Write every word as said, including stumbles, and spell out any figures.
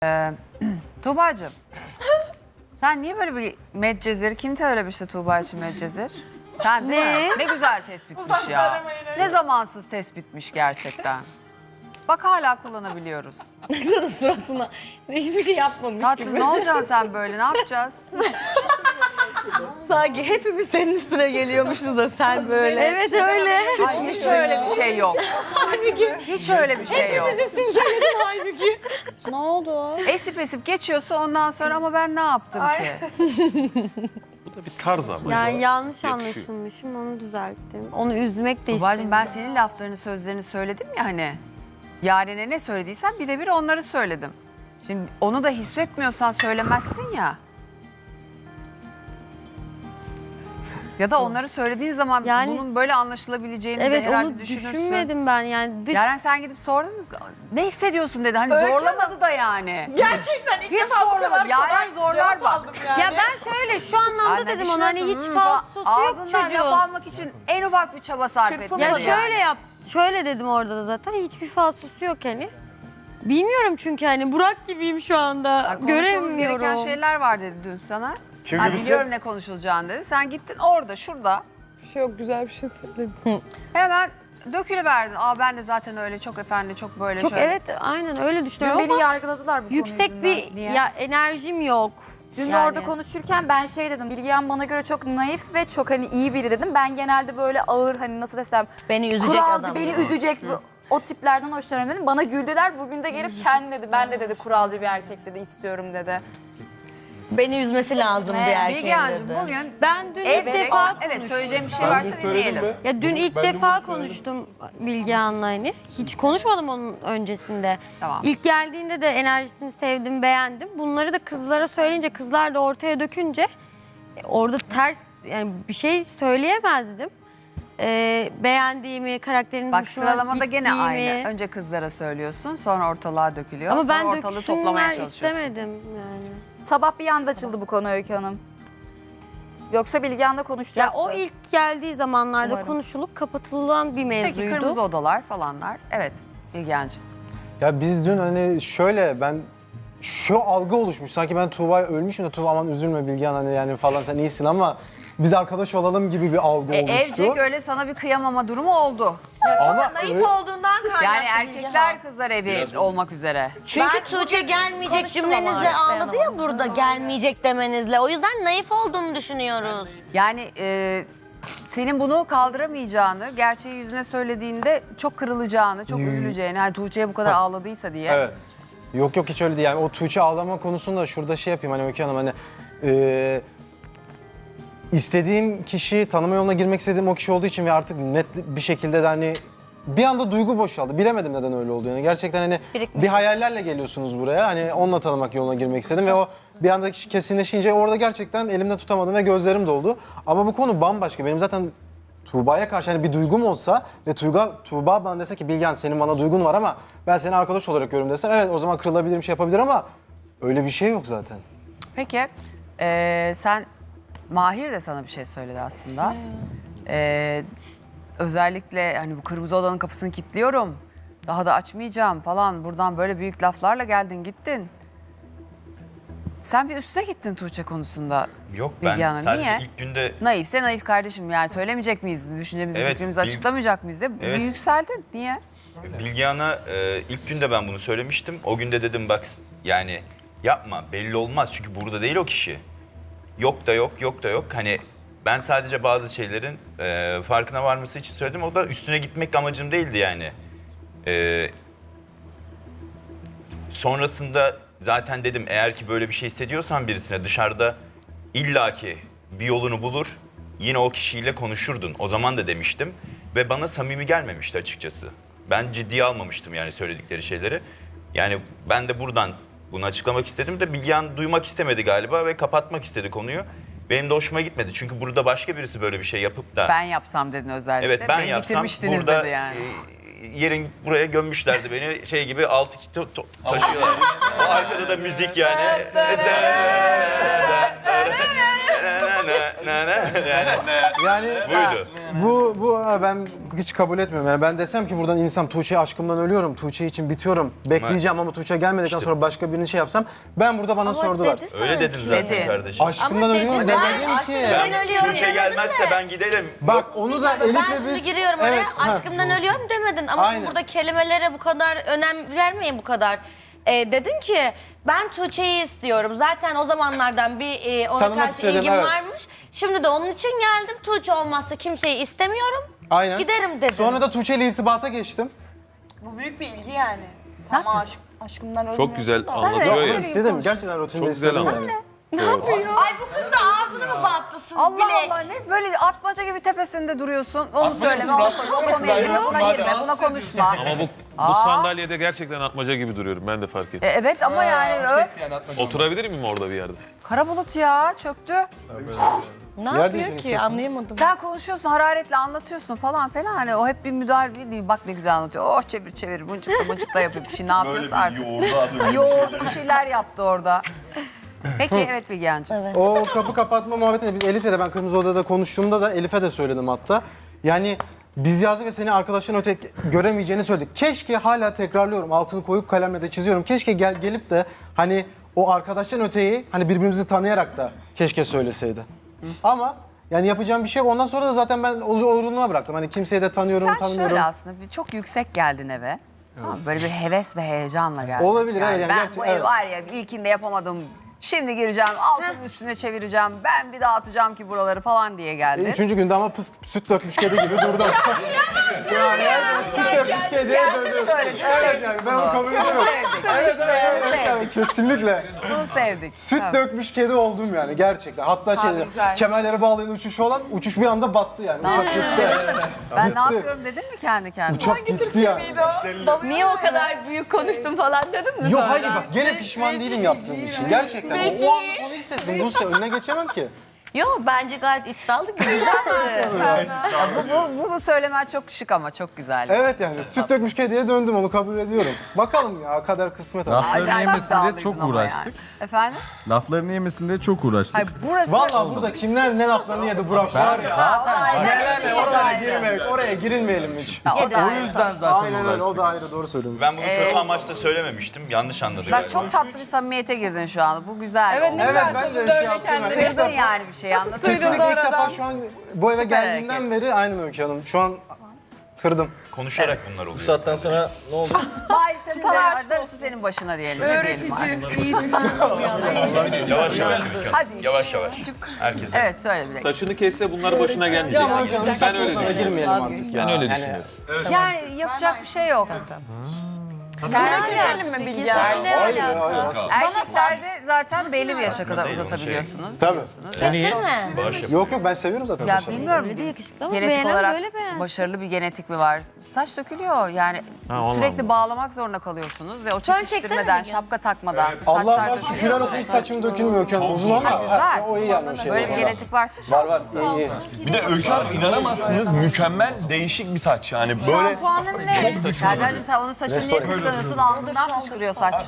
Ee, Tuğba'cığım, sen niye böyle bir Medcezir, kim söylemişti Tuğba için Medcezir? Sen değil Ne? mi? Ne güzel tespitmiş ya. Ne zamansız tespitmiş gerçekten. Bak hala kullanabiliyoruz. Baksana suratına. Hiçbir şey yapmamış Tatlım gibi. ne olacaksın sen böyle, ne yapacağız? Sanki hepimiz senin üstüne geliyormuşuz da sen böyle. Evet öyle. Ay, hiç öyle bir şey yok. Hiç öyle bir şey yok. Hepimizi simgeledin halbuki. Ne oldu? Esip esip geçiyorsa ondan sonra ama ben ne yaptım ki? Bu da bir tarz ama. Yani yanlış Yakışıyor. anlaşılmışım, onu düzelttim. Onu üzmek de Tuğba'cığım istedim. ben senin laflarını, sözlerini söyledim ya hani. Yaren'e ne söylediysen birebir onları söyledim. Şimdi onu da hissetmiyorsan söylemezsin ya. Ya da onları söylediğin zaman Yani- bunun böyle anlaşılabileceğini Evet, de herhalde onu düşünürsün. düşünmedim ben yani. Dış... Yaren sen gidip sordun mu? Ne hissediyorsun dedi. Hani Öykü zorlamadı da yani. Gerçekten ilk Hiç defa bu zorlamadı. kadar Yaren kolay zorlar cevap bak. aldım yani. Ya ben şöyle şu anlamda Anne dedim ona hani hiç düşünüyorsun, falsosu yok ağzından laf çocuğun. almak için en ufak bir çaba sarf etmedi Çırpınma. Ya yani. şöyle yap, şöyle dedim orada da zaten hiçbir falsosu yok hani. Bilmiyorum çünkü hani Burak gibiyim şu anda. Ya konuşmamız gereken Göremiyorum. şeyler var dedi dün sana. Kim Ha, gibisi? biliyorum ne konuşulacağını dedi. Sen gittin orada, şurada. Bir şey yok, güzel bir şey söyledin. Hemen dökülüverdin. Aa ben de zaten öyle çok efendi, çok böyle Çok şöyle. evet aynen öyle Dün düşünüyorum beni ama yargıladılar bu konu yüksek yüzünden. bir Niye? ya enerjim yok. Dün de Yani. orada konuşurken ben şey dedim, Bilgehan bana göre çok naif ve çok hani iyi biri dedim. Ben genelde böyle ağır hani nasıl desem Beni üzecek kuralcı, adam. beni üzecek bu- o tiplerden hoşlanıyorum dedim. Bana güldüler, bugün de gelip kendi dedi, ben de dedi kuralcı bir erkek dedi, istiyorum dedi. Beni üzmesi lazım bir erkeğin Bilgehan'cığım dedi. bugün Ben dün ilk evet, defa evet söyleyeceğim bir şey varsa dinleyelim. Ya dün ilk defa konuştum Bilgehan'la hani. Hiç konuşmadım onun öncesinde. Tamam. İlk geldiğinde de enerjisini sevdim, beğendim. Bunları da kızlara söyleyince, kızlar da ortaya dökünce e, orada ters yani bir şey söyleyemezdim. Ee, beğendiğimi, karakterinin Bak hoşuma sıralamada gene gittiğimi. aynı. Önce kızlara söylüyorsun, sonra ortalığa dökülüyor. Ama sonra ben ortalığı toplamaya döksünler çalışıyorsun. istemedim yani. Sabah bir anda açıldı bu konu Öykü Hanım. Yoksa Bilgehan'la konuşacaktı. Ya o ilk geldiği zamanlarda Umarım. konuşulup kapatılan bir mevzuydu. Peki kırmızı odalar falanlar. Evet Bilgehan'cığım. Ya biz dün hani şöyle ben şu algı oluşmuş sanki ben Tuğba'ya ölmüşüm de Tuğba aman üzülme Bilgehan hani yani falan sen iyisin ama biz arkadaş olalım gibi bir algı E, oluştu. evcek öyle sana bir kıyamama durumu oldu. Ama Naif öyle- olduğundan kaynaklı. Yani erkekler kızlar evi olmak üzere. Çünkü Ben Tuğçe bugün gelmeyecek konuştum cümlenizle ama ağladı ya burada gelmeyecek demenizle. O yüzden naif olduğunu düşünüyoruz. Yani e, senin bunu kaldıramayacağını, gerçeği yüzüne söylediğinde çok kırılacağını, çok üzüleceğini, hani Tuğçe'ye bu kadar ağladıysa diye. Evet. Yok yok hiç öyle değil yani o Tuğçe ağlama konusunda şurada şey yapayım hani Öykü Hanım hani e, istediğim kişi tanıma yoluna girmek istediğim o kişi olduğu için ve artık net bir şekilde de hani bir anda duygu boşaldı. Bilemedim neden öyle oldu yani. Gerçekten hani Birikmiş. bir hayallerle geliyorsunuz buraya. Hani onunla tanımak yoluna girmek istedim ve o bir anda kesinleşince orada gerçekten elimde tutamadım ve gözlerim doldu. Ama bu konu bambaşka. Benim zaten Tuğba'ya karşı hani bir duygum olsa ve Tuğba, Tuğba bana dese ki Bilgehan senin bana duygun var ama ben seni arkadaş olarak görüyorum desem evet o zaman kırılabilirim şey yapabilir ama öyle bir şey yok zaten. Peki e, sen, Mahir de sana bir şey söyledi aslında. E, özellikle hani bu kırmızı odanın kapısını kilitliyorum. Daha da açmayacağım falan. Buradan böyle büyük laflarla geldin gittin. Sen bir üstüne gittin Tuğçe konusunda. Yok ben Bilge Hanım, sadece niye? ilk günde Naifse naif kardeşim yani söylemeyecek miyiz? Düşüncemizi, Evet, fikrimizi bil- açıklamayacak mıyız diye Evet. bir yükseldin. Niye? Bilgehan'a e, ilk günde ben bunu söylemiştim. O günde dedim bak yani yapma belli olmaz çünkü burada değil o kişi. Yok da yok, yok da yok. Hani ben sadece bazı şeylerin e, farkına varması için söyledim. O da üstüne gitmek amacım değildi yani. E, sonrasında zaten dedim eğer ki böyle bir şey hissediyorsan birisine dışarıda illaki bir yolunu bulur. Yine o kişiyle konuşurdun. O zaman da demiştim. Ve bana samimi gelmemişti açıkçası. Ben ciddiye almamıştım yani söyledikleri şeyleri. Yani ben de buradan bunu açıklamak istedim de Bilgehan duymak istemedi galiba ve kapatmak istedi konuyu. Benim de hoşuma gitmedi. Çünkü burada başka birisi böyle bir şey yapıp da... Ben yapsam dedin özellikle. Evet ben Beni yapsam bitirmiştiniz burada dedi yani. e, yerin buraya gömmüşlerdi beni şey gibi altı kito to- taşıyorlar. O arkada da müzik yani. Yani Buydu. Bu, bu ha, ben hiç kabul etmiyorum. Yani ben desem ki buradan insan Tuğçe'ye aşkımdan ölüyorum, Tuğçe için bitiyorum, bekleyeceğim ama Tuğçe gelmedikten sonra başka birini şey yapsam, ben burada bana sordular. dedi Öyle dedin sanki. zaten Dedi. kardeşim. Aşkımdan Ama ölüyorum dedi, demedim ben ki. aşkımdan ölüyorum Tuğçe demedin gelmezse de. ben giderim. Bak onu da Elif'le Ben biz... şimdi giriyorum oraya, Evet, ha. aşkımdan ölüyorum demedin. Ama Aynen. şimdi burada kelimelere bu kadar önem vermeyin bu kadar. Ee, dedin ki ben Tuğçe'yi istiyorum. Zaten o zamanlardan bir e, ona Tanımak karşı istedim, ilgim evet. varmış. Şimdi de onun için geldim. Tuğçe olmazsa kimseyi istemiyorum. Aynen. Giderim dedin. Sonra da Tuğçe ile irtibata geçtim. Bu büyük bir ilgi yani. Ama aşk, aşkımdan ölmüyor. Çok güzel Yok, anlatıyor ya. istedim. Gerçekten rutinde Çok güzel istedim anlatıyor. yani. Ay bu kız da ağzını mı batlasın? Allah Allah ne böyle atmaca gibi tepesinde duruyorsun. Onu söyleme, onu konuş, o konuya girme, buna girme, buna konuşma. Ama bu, bu sandalyede gerçekten atmaca gibi duruyorum. Ben de fark ettim. E, evet ama yani öf. Oturabilir miyim orada bir yerde? Kara bulut ya çöktü. Ne Yer yapıyor değiştirmek ki istiyorsunuz. anlayamadım. Sen konuşuyorsun, hararetle anlatıyorsun falan falan. Hani o hep bir müdahale değil. Bak ne güzel anlatıyor. Oh çevir çevir, mıncıkla mıncıkla yapıyor bir şey. Ne yapıyorsa artık. yoğurdu az önce. Yoğurdu bir şeyler yaptı orada. Peki evet Bilgehan'cığım. O kapı kapatma muhabbetinde biz Elif'le de ben Kırmızı Oda'da konuştuğumda da Elif'e de söyledim hatta. Yani biz yazdık ve seni arkadaşların öte göremeyeceğini söyledik. Keşke hala tekrarlıyorum altını koyup kalemle de çiziyorum. Keşke gel, gelip de hani o arkadaşların öteyi hani birbirimizi tanıyarak da keşke söyleseydi. Ama yani yapacağım bir şey yok. Ondan sonra da zaten ben olurluğuna bıraktım. Hani kimseyi de tanıyorum, Sen tanımıyorum. şöyle aslında bir, çok yüksek geldin eve. Tamam, böyle bir heves ve heyecanla geldin. Olabilir, evet, yani ben gerçi- bu evi evet. var ya ilkinde yapamadım. Şimdi gireceğim, altını üstüne çevireceğim. Ben bir dağıtacağım ki buraları falan diye geldin. E, Üçüncü günde ama pıs, süt dökmüş kedi gibi durdum. yani yani süt dökmüş kediye döndüm. Evet yani ben onu kabul ediyorum. Evet, evet, evet, evet, kesinlikle. Bunu sevdik. Süt Tamam. dökmüş kedi oldum yani gerçekten. Hatta şey güzel. kemerleri bağlayan uçuş olan uçuş bir anda battı yani. Uçak gitti. Ben Gitti. ne yapıyorum dedin mi kendi kendine? Uçak gitti yani. Niye o kadar büyük konuştum falan dedin mi Yok sonra? hayır bak gene pişman değilim yaptığım için. Gerçekten. O, o an onu hissettim. Buse önüne geçemem ki. Yok bence gayet iddialı güzeldi. bu, bu, bunu söylemen çok şık ama çok güzel. Evet yani süt dökmüş kediye döndüm onu kabul ediyorum. Bakalım ya kader kısmet ama. Laflarını Acayip yemesinde iddialıydın çok ama uğraştık. yani. Efendim? Laflarını yemesinde çok uğraştık. Hayır burası... Valla burada kimler ne laflarını yedi Burak var ya. Aynen. Neler ne oralara girmeyelim, oraya girilmeyelim hiç. O da O yüzden zaten Aynen öyle o uğraştık. da ayrı doğru söylüyorsun. Ben bunu kötü amaçla söylememiştim. Yanlış anladık. Bak çok tatlı bir samimiyete girdin şu anda. Bu güzel. Evet, oldu. ne Evet güzel ben de kızdı şey öyle yaptım. kendini. Yani. Kırdın yani bir şey anladın mı? Kesinlikle ilk defa aradan. şu an bu eve Süper geldiğimden hareket. beri aynen Öykü Hanım. Şu an kırdım. Konuşarak bunlar oluyor. Bu saatten sonra ne oldu? Hayır senin de darısı senin başına diyelim. Ne diyelim artık? Yavaş yavaş Ülke Hanım. Hadi. Yavaş yavaş. Herkese. Evet söyle bir dakika. Saçını kesse bunlar başına gelmeyecek. Ya ama Öykü Hanım Ben saçma öyle sana düşünüyorum. girmeyelim artık ya. Ben öyle Yani düşünüyorum. Yani yapacak bir şey yok. Girelim mi Bilge? Hayır, hayır. Erkeklerde zaten belli bir yaşa kadar uzatabiliyorsunuz. Tabii. biliyorsunuz. Değil mi? Bağış yapın. Yok yok ben seviyorum zaten Ya saçlarımı. bilmiyorum. Öyle de yakışıklı ama Genetik beğenen olarak böyle beğensin. başarılı bir genetik mi var? Saç dökülüyor yani Ha, ondan sürekli mı? bağlamak zorunda kalıyorsunuz ve o Şu an çeksene çekiştirmeden, Bilge. şapka takmadan Allah saçlar var dökülüyor. şükürler olsun hiç saçım dökülmüyor Öykü Hanım. Uzun ama Ha, güzel. ha, o iyi yani o şey. Böyle bir genetik varsa Var var. şanslısın. İyi. Bir de Öykü Hanım inanamazsınız mükemmel değişik bir saç yani böyle Puanın ne? Serdar'cığım sen onun saçını niye kıskanıyorsun? Alnından fışkırıyor saç.